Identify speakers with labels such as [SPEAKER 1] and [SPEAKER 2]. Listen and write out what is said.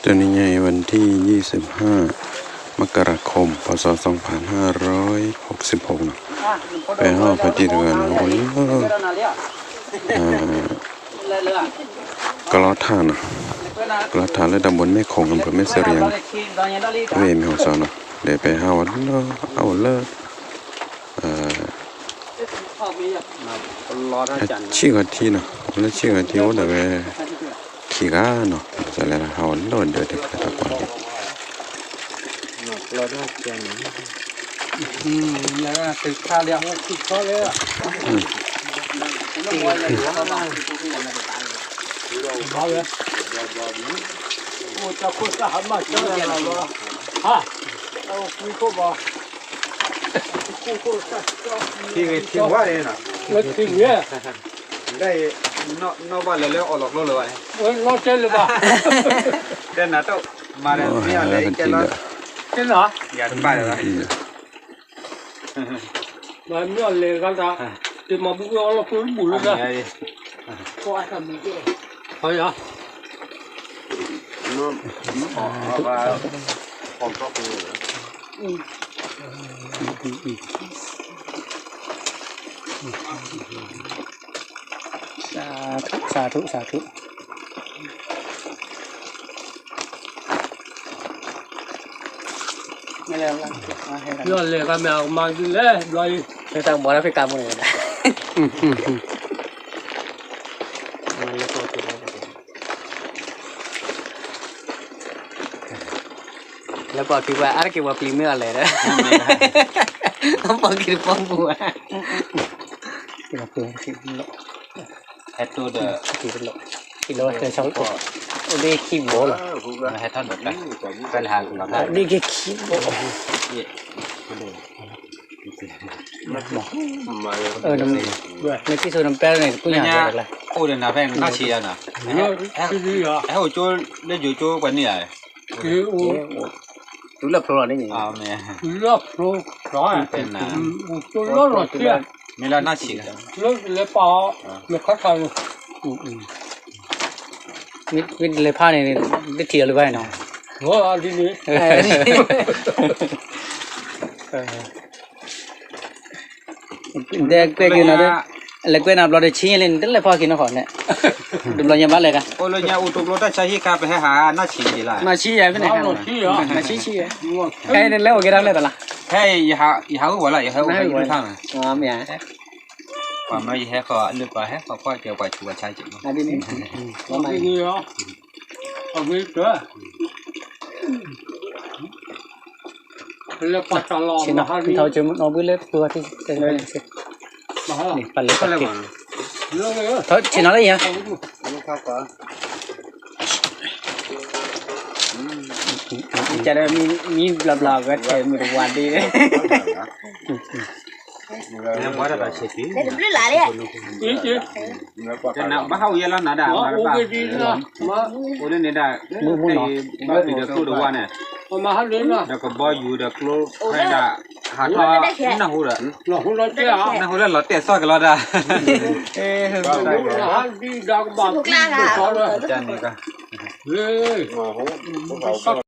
[SPEAKER 1] ตัวนี้ไงวันที่25 มกราคม พศ 2566นะไปห้องพอดีเดือนโอ้ยกลอดท่านะกลอดท่าและตำบลแม่คงอำเภอแม่เสรียงเวมีหัวซอนนะเดี๋ยวไปห้าวันเอาเลิกชี้กันทีนะแล้วชี้กันทีว่าเดี๋ยวไปขี่ก้าเนาะจะอะไรนะเอาเลิกเดี๋ยวไปตะกอนดิ
[SPEAKER 2] แล้วติดข้าวเลี้ยงติดข้าวเลยอ่ะเอาเลยโอ้จะคุยจะหันมาเจอเราเหรอฮะเอาคุยก็บอก
[SPEAKER 3] ที่ว่าเลยนะ
[SPEAKER 2] แล้วทิ้งเนี่ย
[SPEAKER 3] ได้นอกบ้านแล้วออกหลอกโลเลย
[SPEAKER 2] รอเจอเลยป่ะ
[SPEAKER 3] เดินหน้าโต๊ะมาเลยนี่อะไรแกล้
[SPEAKER 2] เจอเหรอ
[SPEAKER 3] อย่าถึงบ้านเลย
[SPEAKER 2] มาไม่เอาเลยกันจ้ะที่มาบุกเราคุยบุรุษนะก็ไอ้ทำนี่ก็เฮ้ยอ่ะ
[SPEAKER 3] นู่นว่าผมชอบดู
[SPEAKER 2] สาธุไม่แล้วย้อนเลยกันแมวมาดูเลยลอยไม่ต้องบอกแล้วไปกำมือนะแล้วบอกคิดว่าอะไรคิดว่าพรีเมียร์เลยนะต้องบอกคิดป้องบัวคิดว่าพรีเมียร์
[SPEAKER 3] แฮตตัวเด้อ
[SPEAKER 2] กิโลเท่าช่องตัวนี่ขี้โบล่ะ
[SPEAKER 3] แฮตท่านแบบนั้นเป็นหางของเรา
[SPEAKER 2] นี่แค่ขี้โบน้ำในที่สุดน้ำแป้งเนี่ยกูอยากอะไร
[SPEAKER 3] โอ้เดี๋ยวน้าแพงน่าเชียร์นะไอ้หัวโจ้เล่นอยู่โจ้กว่านี่ไง
[SPEAKER 2] รู้เรื่องโปรนี่
[SPEAKER 3] อ้าวเนี่ย
[SPEAKER 2] เรื่องโปรร้อย
[SPEAKER 3] เป็นนะ
[SPEAKER 2] ตัวเรื่องหรอเชี่ย
[SPEAKER 3] มีแล้วน่าเชียร์
[SPEAKER 2] เรื่องเลยป่าไม่คัดทางมิดเลยผ้าเนี่ยได้เที่ยวเลยไปเนาะโอ้ดีนี่เด็กเด็กอยู่นะเด็กเล็กเว้นอับเราได้ชี้เล่นตั้งแต่พอกินน้ำขอนเนี่ยดูเรายังบ้านเลยกัน
[SPEAKER 3] โอ้เราเนี่ยอุตุกเราได้ใช้ที่การไปให้หาหน้าชี้ดีละ
[SPEAKER 2] หน้าชี้ใหญ่ไปไหนกันหน้าชี้ใครเล่นแล้วกี่ดังเลยตลอด
[SPEAKER 3] ให้ยาหัวละยาหัวให้ดูทาง
[SPEAKER 2] อ๋อไม่อ่ะ
[SPEAKER 3] ความไม่ให้เขาเลือกไปให้เขาก็เกี่ยวกับชัวร์ใช้จริง
[SPEAKER 2] อันนี้ว่าไม่ดีเหรอเอาไปเถอะเลือกปัจจัยรอชินะที่เขาจะเอาไปเลือกตัวที่เป็นอะไรสินี่ปันเล็กปันเล็กเท่าชินะอะไรอย่างจะได้มีบลาก็จะมีรางวัลดีเลย
[SPEAKER 3] เนี่ยบ้านเราเช็ดดิ
[SPEAKER 4] เดี๋ยวหลายเลย
[SPEAKER 3] จะนับบ้าเขาเยอะแล้วนะด่ามาบ้าโอ้เล่นเนี่ยด่าบ้าปีเด็กตัววันเนี่ย
[SPEAKER 2] มาหันเลยนะ
[SPEAKER 3] เด็กก็บ่อยู่เด็กโลให้ด่าหาท่าน่าหูละ
[SPEAKER 2] น่าหูละเจ้า
[SPEAKER 3] น่าหูละหลอดเตะซอยกันแล้วด่า
[SPEAKER 2] หันดีดักบัง
[SPEAKER 4] กลางอ่ะ
[SPEAKER 3] จันนี่ก็
[SPEAKER 2] เฮ้ย